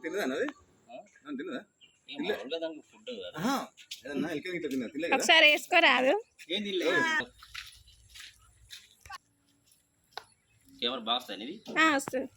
తినదా అన్నది తినదా ఒకసారి వేసుకోరాదు. కెమెరా బాగా వస్తుంది వస్తుంది.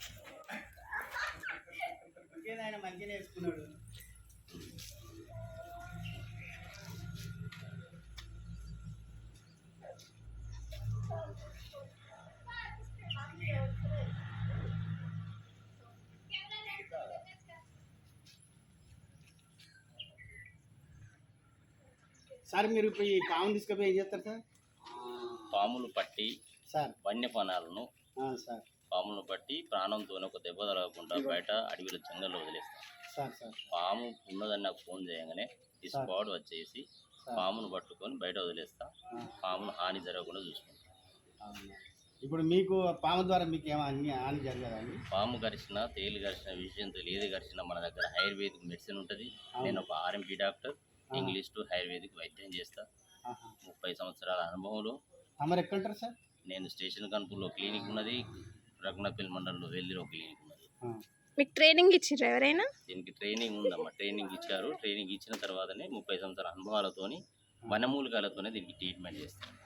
సార్ మీరు ఇప్పుడు ఈ పాము తీసుకుపోయి ఏం చేస్తారు సార్? పాములు పట్టి సార్ వన్యప్రాణాలను సార్ పాములను పట్టి ప్రాణంతో ఒక దెబ్బ తగలకుండా బయట అడవిలో జంగల్లో వదిలేస్తాం. సార్ పాము ఉన్నదని నాకు ఫోన్ చేయగానే ఈ స్క్వాడ్ వచ్చేసి పామును పట్టుకొని బయట వదిలేస్తా. పామును హాని జరగకుండా చూసుకుంటాం. ఇప్పుడు మీకు పాము ద్వారా మీకు ఏమీ హాని జరగదండి? పాము గరిచిన, తేలు గరిచిన, విషయంతో ఏది గరిచినా మన దగ్గర ఆయుర్వేదిక్ మెడిసిన్ ఉంటుంది. నేను ఒక RMP doctor, English to ayurvedic వైద్యం చేస్తా. 30 సంవత్సరాల అనుభవంలో. తమరు ఎక్కడుంటారు సార్? నేను స్టేషన్ కనుపూర్లో క్లినిక్ ఉన్నది, రఘునాథపల్లి మండలంలో వెల్లిలో క్లినిక్ ఉన్నది. మీకు ట్రైనింగ్ ఇచ్చారు ఎవరైనా? దీనికి ట్రైనింగ్ ఉందమ్మా, ట్రైనింగ్ ఇచ్చారు. ట్రైనింగ్ ఇచ్చిన తర్వాతనే 30 సంవత్సరాల అనుభవాలతోని వనమూలికలతోనే దీనికి ట్రీట్మెంట్ చేస్తాను.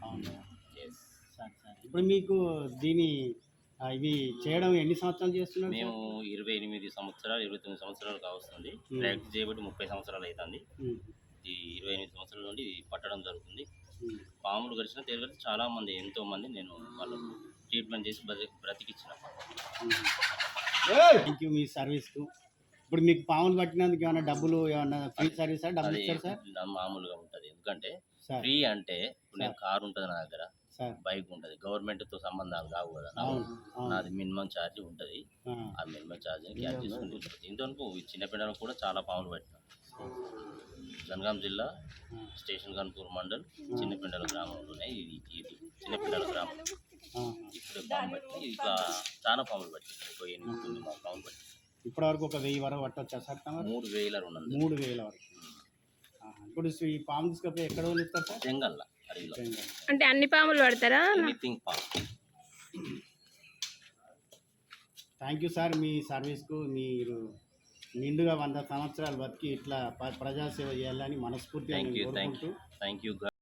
ఇప్పుడు మీకు ఇవి చేయడం ఎన్ని సంవత్సరాలు చేస్తున్నారు? మేము 28 సంవత్సరాలు 29 సంవత్సరాలు కావస్తుంది. ప్రాక్టీస్ చేయబట్టి 30 సంవత్సరాలు అవుతుంది. ఈ 28 సంవత్సరాల నుండి పట్టడం జరుగుతుంది. పాములు గడిచిన తేలు గడిచిన చాలా మంది, ఎంతో మంది నేను వాళ్ళకు ట్రీట్మెంట్ చేసి బ్రతికిచ్చిన. థ్యాంక్ యూ మీ సర్వీస్కు. ఇప్పుడు మీకు పాములు పట్టినందుకు ఏమైనా డబ్బులు ఏమన్నా ఫ్రీ సర్వీస్ డబ్బులు ఇస్తారు సార్? మామూలుగా ఉంటుంది. ఎందుకంటే ఫ్రీ అంటే ఇప్పుడు నేను కారు ఉంటుంది నా దగ్గర, బైక్ ఉంటుంది, గవర్నమెంట్తో సంబంధాలు కావు కదా. నాది మినిమం ఛార్జ్ ఉంటుంది. ఆ మినిమం ఛార్జ్ని క్యాచ్ చేసుకుంటూ దీంతో చిన్నపిల్లలకు కూడా చాలా పాములు పట్టినాం. జనగాం జిల్లా స్టేషన్ కన్పూర్ మండల్ చిన్నపిల్లల గ్రామంలోనే ఇది చిన్నపిల్లల గ్రామం. ఇప్పుడు పాము పట్టి ఇట్లా చాలా పాములు పట్టి 8-9 పాములు పట్టి ఇప్పటివరకు ఒక 1000 వరకు పట్టవచ్చా సార్? 3000 వరకు. ఇప్పుడు ఈ పాము తీసుకపోయి ఎక్కడ వదిలిస్తారు సార్? జంగల్ అడవిలో. అంటే అన్ని పాములు పడతారా? థ్యాంక్ యూ సార్ మీ సర్వీస్కు. మీరు నిండుగా 100 సంవత్సరాలు బతికి ఇట్లా ప్రజాసేవ చేయాలని మనస్ఫూర్తిగా కోరుకుంటూ. Thank you.